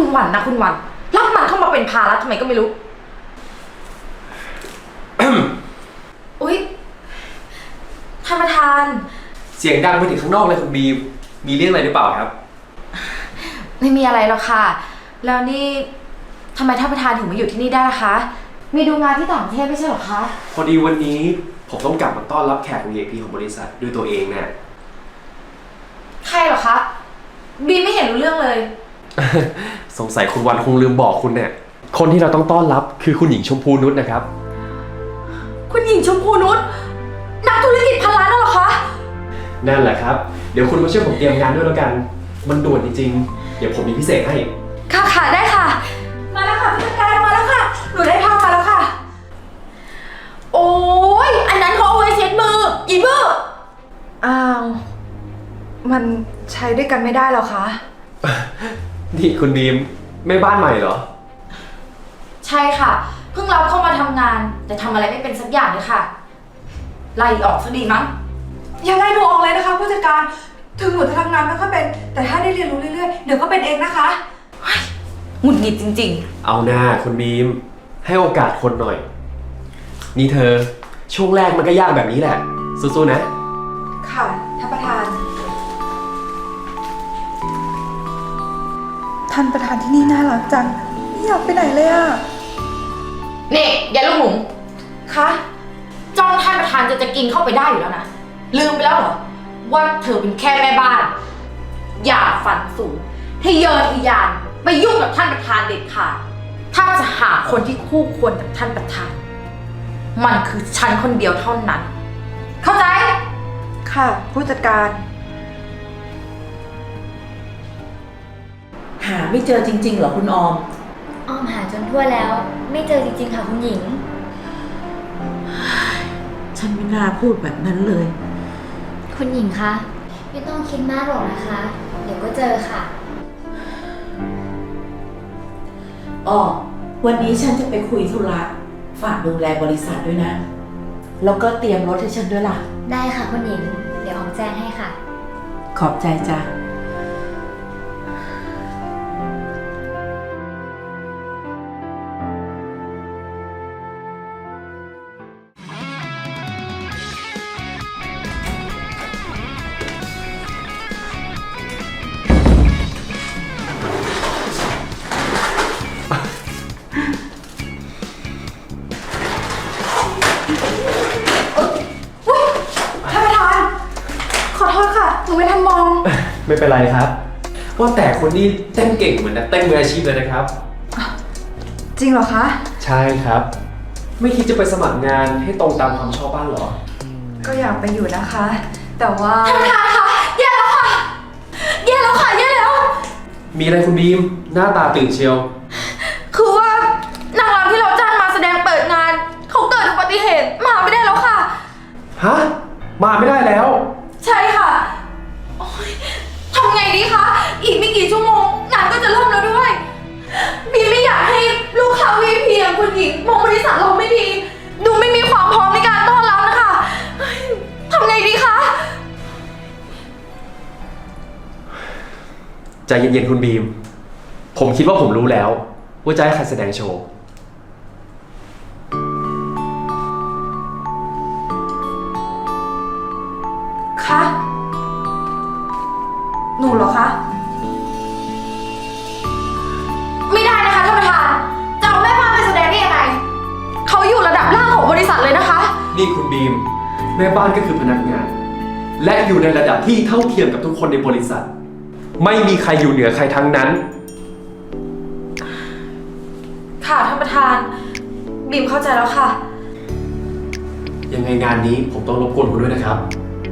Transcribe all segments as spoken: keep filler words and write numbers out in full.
วันนะคุณวันรับมันเข้ามาเป็นภาระทำไมก็ไม่รู้ อุ๊ยท่านประธานเสียงดังไปถึงข้างนอกเลยคุณบีมมีเรื่องอะไรหรือเปล่าครับไม่มีอะไรหรอกค่ะแล้วนี่ทำไมท่านประธานถึงมาอยู่ที่นี่ได้ล่ะคะมีดูงานที่ต่างประเทศไม่ใช่หรอคะพอดีวันนี้ผมต้องกลับมาต้อนรับแขก วี ไอ พี ของบริษัทด้วยตัวเองเนี่ยใครเหรอคะบีไม่เห็นรู้เรื่องเลยสงสัยคุณวันคงลืมบอกคุณเนี่ยคนที่เราต้องต้อนรับคือคุณหญิงชมพูนุชนะครับคุณหญิงชมพูนุชนักธุรกิจพันล้านนั่นเหรอคะนั่นแหละครับเดี๋ยวคุณมาช่วยผมเตรียมงานด้วยแล้วกันมันด่วนจริงๆเดี๋ยวผมมีพิเศษให้ค่ะค่ะได้ค่ะมาแล้วค่ะผู้จัดการมาแล้วค่ะหนูได้ผ้ามาแล้วค่ะโอ้ยอันนั้นเขาเอาไว้เช็ดมืออีเบอร์อ้าวมันใช้ด้วยกันไม่ได้หรอคะนี่คุณบีมแม่บ้านใหม่เหรอใช่ค่ะเพิ่งรับเข้ามาทำงานแต่ทำอะไรไม่เป็นสักอย่างเลยค่ะไล่ออกซะดีมั้งอย่าไล่หนูออกเลยนะคะผู้จัดการถึงหนูจะทำงานไม่ค่อยเป็นแต่ถ้าได้เรียนรู้เรื่อยๆเดี๋ยวก็เป็นเองนะคะหงุดหงิดจริงๆเอาหน้าคุณบีมให้โอกาสคนหน่อยนี่เธอช่วงแรกมันก็ยากแบบนี้แหละสู้ๆนะค่ะท่านประธานท่านประธานที่นี่น่ารักจังไม่อยากไปไหนเลยอะนี่ยายลูกหมูคะจ้องท่านประธานจะจะกินเข้าไปได้อยู่แล้วนะลืมไปแล้วเหรอว่าเธอเป็นแค่แม่บ้านอย่าฝันสูงทะเยอทะยานไปยุ่งกับท่านประธานเด็ดขาดถ้าจะหาคนที่คู่ควรกับท่านประธานมันคือฉันคนเดียวเท่านั้นเข้าใจค่ะผู้จัดการหาไม่เจอจริงๆเหรอคุณออมออมหาจนทั่วแล้วไม่เจอจริงๆค่ะคุณหญิงฉันไม่น่าพูดแบบนั้นเลยคุณหญิงคะไม่ต้องคิดมากหรอกนะคะเดี๋ยวก็เจอค่ะอ๋อวันนี้ฉันจะไปคุยธุระฝากดูแลบริษัทด้วยนะแล้วก็เตรียมรถให้ฉันด้วยล่ะได้ค่ะคุณหญิงเดี๋ยวออมแจ้งให้ค่ะขอบใจจ้ะไม่เป็นไรครับว่าแต่คนนี้เต้นเก่งเหมือนนักเต้นมืออาชีพเลยนะครับจริงเหรอคะใช่ครับไม่คิดจะไปสมัครงานให้ตรงตามความชอบบ้างหรอก็อยากไปอยู่นะคะแต่ว่าท่านประธานคะแย่แล้วค่ะแย่แล้วค่ะแย่แล้วมีอะไรคุณบีมหน้าตาตื่นเชียวคือว่านางรำที่เราจ้างมาแสดงเปิดงานเขาเกิดอุบัติเหตุมาไม่ได้แล้วค่ะฮะมาไม่ได้แล้วใช่ค่ะทำไงดีคะอีกไม่กี่ชั่วโมงงานก็จะเริ่มแล้วด้วยบีไม่อยากให้ลูกค้า วี ไอ พี อย่างคุณหญิงมองบริษัทเราไม่ดีดูไม่มีความพร้อมในการต้อนรับนะคะทำไงดีคะใจเย็นๆคุณบีมผมคิดว่าผมรู้แล้วว่าจะให้ใครแสดงโชว์คะหนูเหรอคะไม่ได้นะคะท่านประธานจะเอาแม่บ้านไปแสดงได้ยังไงเขาอยู่ระดับล่างของบริษัทเลยนะคะนี่คุณบีมแม่บ้านก็คือพนักงานและอยู่ในระดับที่เท่าเทียมกับทุกคนในบริษัทไม่มีใครอยู่เหนือใครทั้งนั้นค่ะท่านประธานบีมเข้าใจแล้วค่ะยังไงงานนี้ผมต้องรบกวนคุณด้วยนะครับ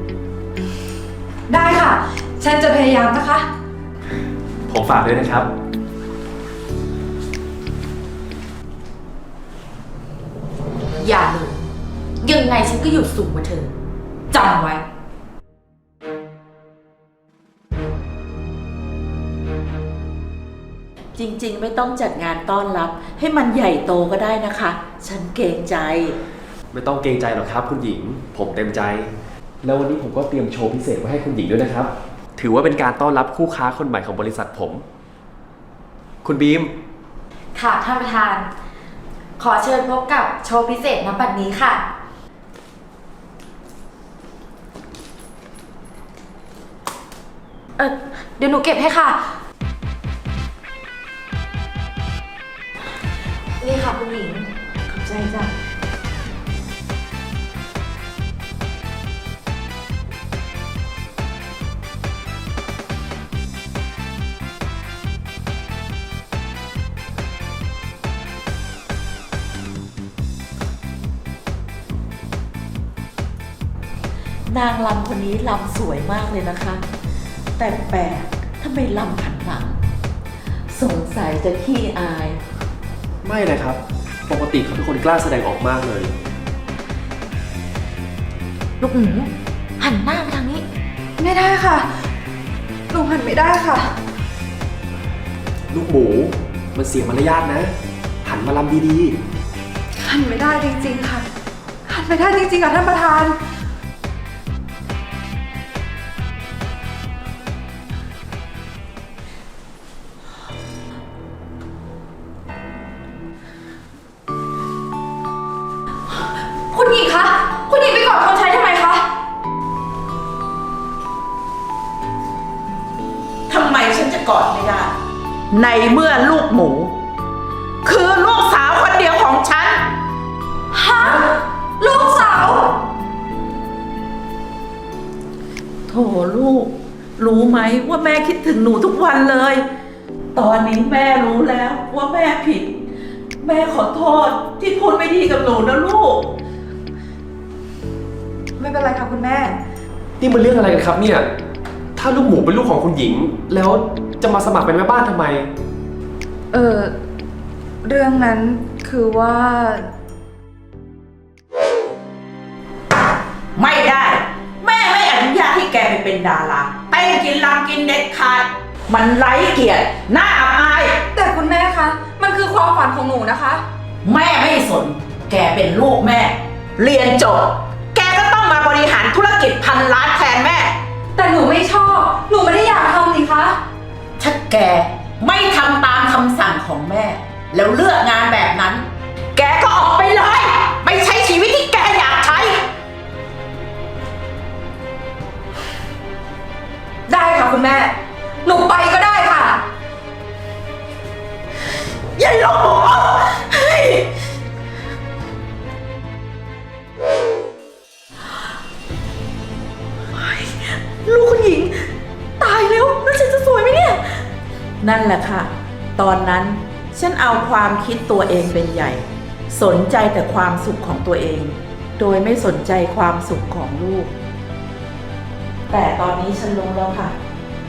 ได้ค่ะฉันจะพยายามนะคะผมฝากด้วยนะครับอย่าเลยยังไงฉันก็อยู่สูงกว่าเธอจำไว้จริงๆไม่ต้องจัดงานต้อนรับให้มันใหญ่โตก็ได้นะคะฉันเกรงใจไม่ต้องเกรงใจหรอกครับคุณหญิงผมเต็มใจแล้ววันนี้ผมก็เตรียมโชว์พิเศษไว้ให้คุณหญิงด้วยนะครับถือว่าเป็นการต้อนรับคู่ค้าคนใหม่ของบริษัทผมคุณบีมค่ะท่านประธาน ขอเชิญพบกับโชว์พิเศษณบัดนี้ค่ะ เออเดี๋ยวหนูเก็บให้ค่ะ นี่ค่ะคุณหญิงขอบใจจ้ะ นางลำคนนี้ลำสวยมากเลยนะคะ แต่แปลกทำไมลำหันหลัง สงสัยจะขี้อายไม่เลยครับ ปกติเขาเป็นคนกล้าแสดงออกมากเลยลูกหมูหันหน้าไปทางนี้ไม่ได้ค่ะ หนูหันไม่ได้ค่ะลูกหมู มันเสียมารยาทนะ หันมาลำดีหันไม่ได้จริงๆค่ะ หันไม่ได้จริงๆค่ะท่านประธานคุณหญิงคะ คุณหญิงไปกอดคนใช้ทำไมคะทำไมฉันจะกอดไม่ได้ ในเมื่อลูกหมู คือลูกสาวคนเดียวของฉันฮะ ลูกสาวโถลูก รู้ไหมว่าแม่คิดถึงหนูทุกวันเลย ตอนนี้แม่รู้แล้วว่าแม่ผิด แม่ขอโทษที่พูดไม่ดีกับหนูนะลูกไม่เป็นไรค่ะคุณแม่ๆ นี่มันเรื่องอะไรกันครับเนี่ย ถ้าลูกหมูเป็นลูกของคุณหญิง แล้วจะมาสมัครเป็นแม่บ้านทำไมเออเรื่องนั้นคือว่าไม่ได้ แม่ไม่อนุญาตให้แกไปเป็นดาราเต้นกินลำกินเด็ดขาด มันไร้เกียรติน่าอับอายแต่คุณแม่คะ มันคือความฝันของหนูนะคะแม่ไม่สน แกเป็นลูกแม่ เรียนจบ แกก็ต้องมาบริหารธุรกิจพันล้านแทนแม่แต่หนูไม่ชอบ หนูไม่ได้อยากทำนี่คะถ้าแกไม่ทำตามคำสั่งของแม่ แล้วเลือกงานแบบนั้น แกก็ออกไปเลย ไปใช้ชีวิตที่แกอยากใช้ได้ค่ะคุณแม่ หนูไปก็ได้ค่ะอย่าหลงเฮ้ยลูกคุณหญิง ตายแล้วแล้วฉันจะสวยไหมเนี่ย นั่นแหละค่ะ ตอนนั้นฉันเอาความคิดตัวเองเป็นใหญ่ สนใจแต่ความสุขของตัวเอง โดยไม่สนใจความสุขของลูก แต่ตอนนี้ฉันรู้แล้วค่ะ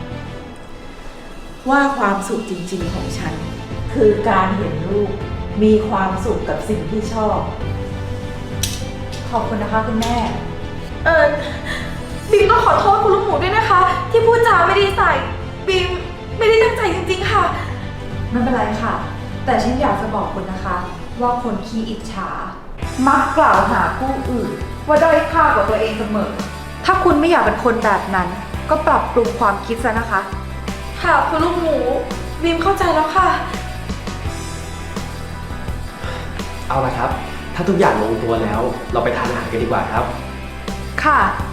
ว่าความสุขจริงๆของฉัน คือการเห็นลูกมีความสุขกับสิ่งที่ชอบขอบคุณนะคะคุณแม่ เออบีมต้องขอโทษคุณลูกหมูด้วยนะคะ ที่พูดจาไม่ดีใส่บีมไม่ได้ตั้งใจจริงๆค่ะ ไม่เป็นไรค่ะ แต่ฉันอยากจะบอกคุณนะคะ ว่าคนขี้อิจฉา มักกล่าวหาผู้อื่น ว่าด้อยค่ากว่าตัวเองเสมอ ถ้าคุณไม่อยากเป็นคนแบบนั้น ก็ปรับปรุงความคิดซะนะคะ ค่ะคุณลูกหมูบีมเข้าใจแล้วค่ะเอาละครับ ถ้าทุกอย่างลงตัวแล้ว เราไปทานอาหารกันดีกว่าครับค่ะ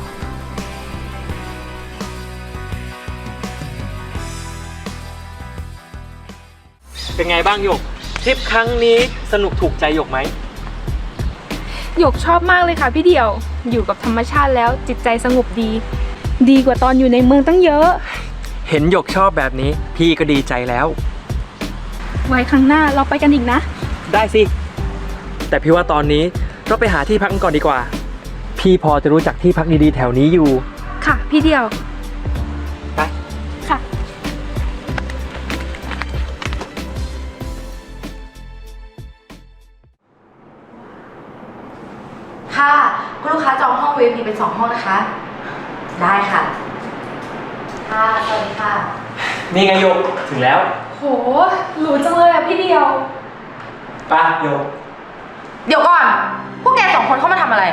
เป็นไงบ้างหยกทริปครั้งนี้สนุกถูกใจหยกไหมหยกชอบมากเลยค่ะพี่เดี่ยว อยู่กับธรรมชาติแล้วจิตใจสงบดี ดีกว่าตอนอยู่ในเมืองตั้งเยอะเห็นหยกชอบแบบนี้พี่ก็ดีใจแล้วไว้ครั้งหน้าเราไปกันอีกนะได้สิ แต่พี่ว่าตอนนี้เราไปหาที่พักกันก่อนดีกว่า พี่พอจะรู้จักที่พักดีๆแถวนี้อยู่ค่ะพี่เดี่ยวไปค่ะค่ะ คุณลูกค้าจองห้อง วี ไอ พี เป็นสองห้องนะคะ ได้ค่ะ ค่ะ สวัสดีค่ะนี่ไงหยกถึงแล้วโหหรูจังเลยอะพี่เดี่ยวไปหยกเดี๋ยวก่อน พวกแกสองคนเข้ามาทำอะไร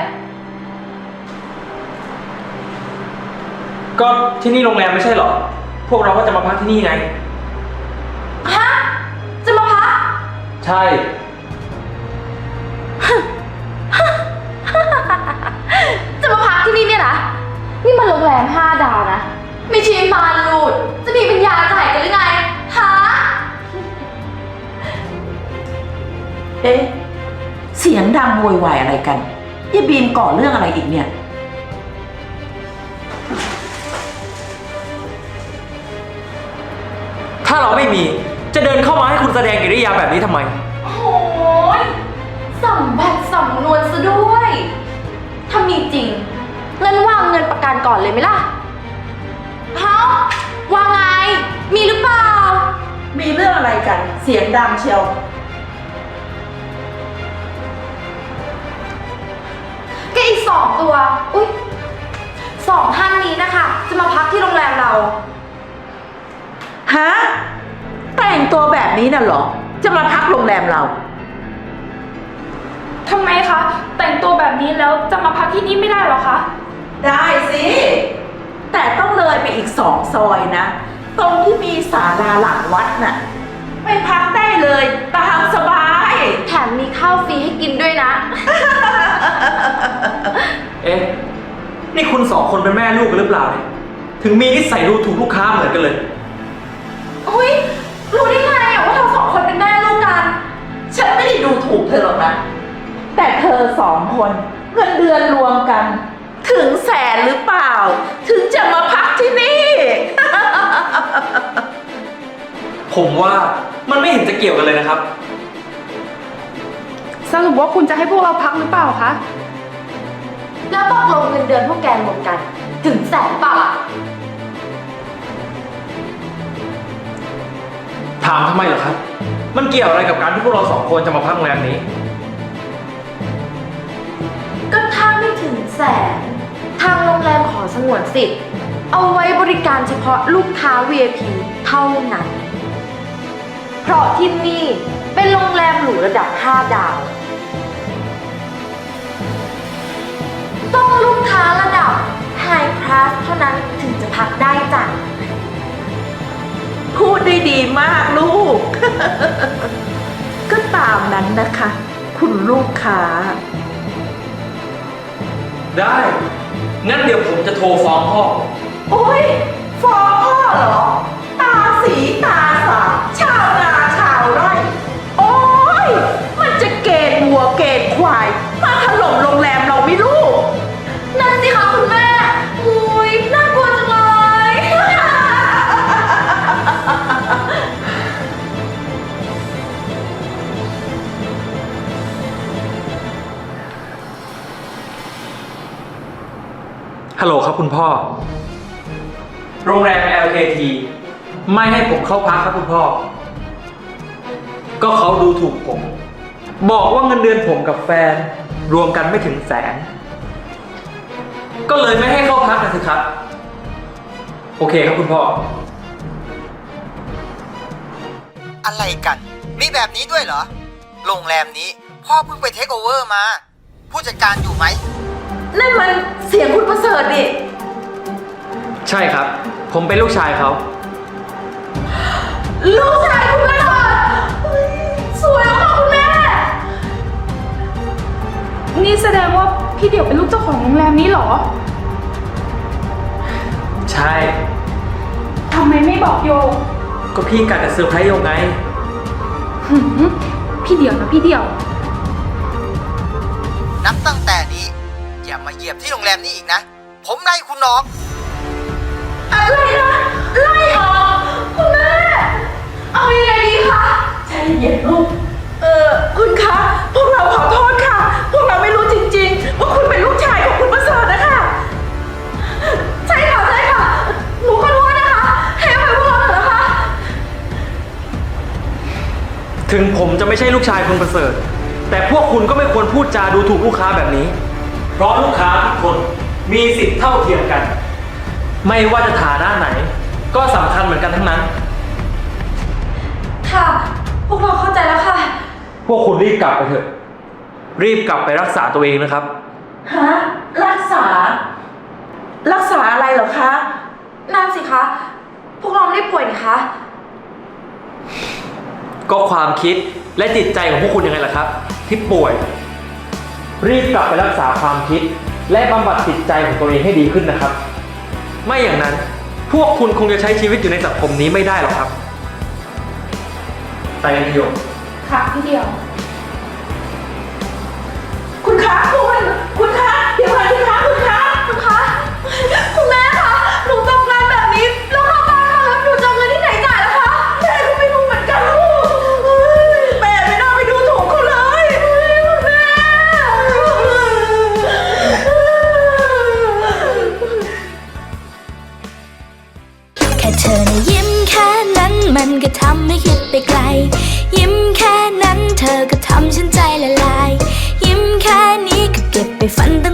ก็ที่นี่โรงแรมไม่ใช่เหรอ พวกเราก็จะมาพักที่นี่ไงฮะใช่จะมาพักที่นี่เนี่ยนะ นี่มันโรงแรมห้าดาวนะ ไม่ใช่มานรูด จะมีปัญญาจ่ายกันหรือไง ฮะเอ๊ะ เสียงดังโวยวายอะไรกันยายบีมก่อเรื่องอะไรอีกเนี่ยถ้าเราไม่มีจะเดินเข้ามาให้คุณแสดงกิริยาแบบนี้ทำไมโอ้ยสำบัดสำนวนซะด้วย ถ้ามีจริงเงินวางเงินประกันก่อนเลยไหมล่ะเฮ้าวางไง มีหรือเปล่ามีเรื่องอะไรกัน เสียงดังเชียวก็อีกสองตัว อุ๊ยสองท่านนี้นะคะ จะมาพักที่โรงแรมเราฮะ แต่งตัวแบบนี้น่ะเหรอ จะมาพักโรงแรมเราทำไมคะ แต่งตัวแบบนี้แล้วจะมาพักที่นี่ไม่ได้เหรอคะได้สิ แต่ต้องเลยไปอีกสองซอยนะ ตรงที่มีศาลาหลังวัดน่ะ ไปพักได้เลยตามสบายแถมมีข้าวฟรีให้กินด้วยนะเอ๊ะ นี่คุณสองคนเป็นแม่ลูกกันหรือเปล่าเนี่ย ถึงมีนิสัยดูถูกลูกค้าเหมือนกันเลยอุ๊ย รู้ได้ไงอะว่าเราสองคนเป็นแม่ลูกกันฉันไม่ได้ดูถูกเธอหรอกนะ แต่เธอสองคนเงินเดือนรวมกัน ถึงแสนหรือเปล่า ถึงจะมาพักที่นี่ผมว่ามันไม่เห็นจะเกี่ยวกันเลยนะครับสรุปว่าคุณจะให้พวกเราพักหรือเปล่าคะแล้วตกลงเงินเดือนพวกแกรวมกัน ถึงแสนเปล่าอะถามทำไมเหรอครับ มันเกี่ยวอะไรกับการที่พวกเราสองคนจะมาพักโรงแรมนี้ก็ถ้าไม่ถึงแสน ทางโรงแรมขอสงวนสิทธิ์ เอาไว้บริการเฉพาะลูกค้า วี ไอ พี เท่านั้น เพราะที่นี่เป็นโรงแรมหรูระดับห้าดาว ต้องลูกค้าระดับ High Class เท่านั้นถึงจะพักได้จ้ะพูดได้ดีมากลูก ก็ตามนั้นนะคะ คุณลูกค้าได้ งั้นเดี๋ยวผมจะโทรฟ้องพ่อโอ้ยฟ้องพ่อเหรอ ตาสีตาสาชาวนาชาวไร่ โอ้ยมันจะเกณฑ์วัวเกณฑ์ควาย มาถล่มโรงแรมเราไม่รู้นั่นสิคะคุณแม่อุ้ยน่ากลัวจังเลยฮัลโหลครับคุณพ่อ โรงแรม แอล เค ที ไม่ให้ผมเข้าพักครับคุณพ่อ ก็เขาดูถูกผม บอกว่าเงินเดือนผมกับแฟน รวมกันไม่ถึงแสน ก็เลยไม่ให้เข้าพักนะสิครับ โอเคครับคุณพ่ออะไรกัน มีแบบนี้ด้วยเหรอ โรงแรมนี้พ่อเพิ่งไปเทคโอเวอร์มา ผู้จัดการอยู่ไหมนั่นมันเสียงคุณประเสริฐดิใช่ครับ ผมเป็นลูกชายเขาลูกชายคุณประเสริฐเฮ้ยสวยมากคุณแม่นี่แสดงว่าพี่เดี่ยวเป็นลูกเจ้าของโรงแรมนี้เหรอใช่ทำไมไม่บอกโยก็พี่กะจะเซอร์ไพรส์โยงไงหืมพี่เดี่ยวนะพี่เดี่ยวนับตั้งแต่นี้ อย่ามาเหยียบที่โรงแรมนี้อีกนะ ผมไล่คุณออกอะไรนะ ไล่ออกคุณแม่ เอายังไงดีคะใจเย็นลูก เออคุณคะ พวกเราขอโทษค่ะ พวกเราไม่รู้จริงๆ ว่าคุณเป็นลูกชายของคุณประเสริฐนะคะใช่ค่ะ ใช่ค่ะ หนูขอโทษนะคะ ให้อภัยพวกเราเถอะนะคะถึงผมจะไม่ใช่ลูกชายคุณประเสริฐ แต่พวกคุณก็ไม่ควรพูดจาดูถูกลูกค้าแบบนี้ เพราะลูกค้าทุกคนมีสิทธิ์เท่าเทียมกัน ไม่ว่าจะฐานะไหน ก็สำคัญเหมือนกันทั้งนั้นค่ะ พวกเราเข้าใจแล้วค่ะพวกคุณรีบกลับไปเถอะ รีบกลับไปรักษาตัวเองนะครับฮะ รักษา รักษาอะไรเหรอคะนั่นสิคะ พวกเราไม่ได้ป่วยนี่คะก็ความคิดและจิตใจของพวกคุณยังไงล่ะครับ ที่ป่วย รีบกลับไปรักษาความคิด และบำบัดจิตใจของตัวเองให้ดีขึ้นนะครับ ไม่อย่างนั้นพวกคุณคงจะใช้ชีวิตอยู่ในสังคมนี้ไม่ได้หรอกครับไปกันเถอะโยมค่ะพี่เดียวคุณคะคุณคุณคะเดี๋ยวก่อนสิคะคุณคะคุณคะคุณแม่คะหนูตกงานแบบนี้แล้วเข้าบ้านมาแล้วหนูจะเอาเงินที่ไหนจ่ายล่ะคะแม่ก็ไม่รู้เหมือนกันลูกแม่ไม่น่าไปดูถูกเขาเลยคุณแม่แค่เธอนะยิ้มแค่นั้นมันก็ทำให้คิดไปไกล ยิ้มแค่นั้น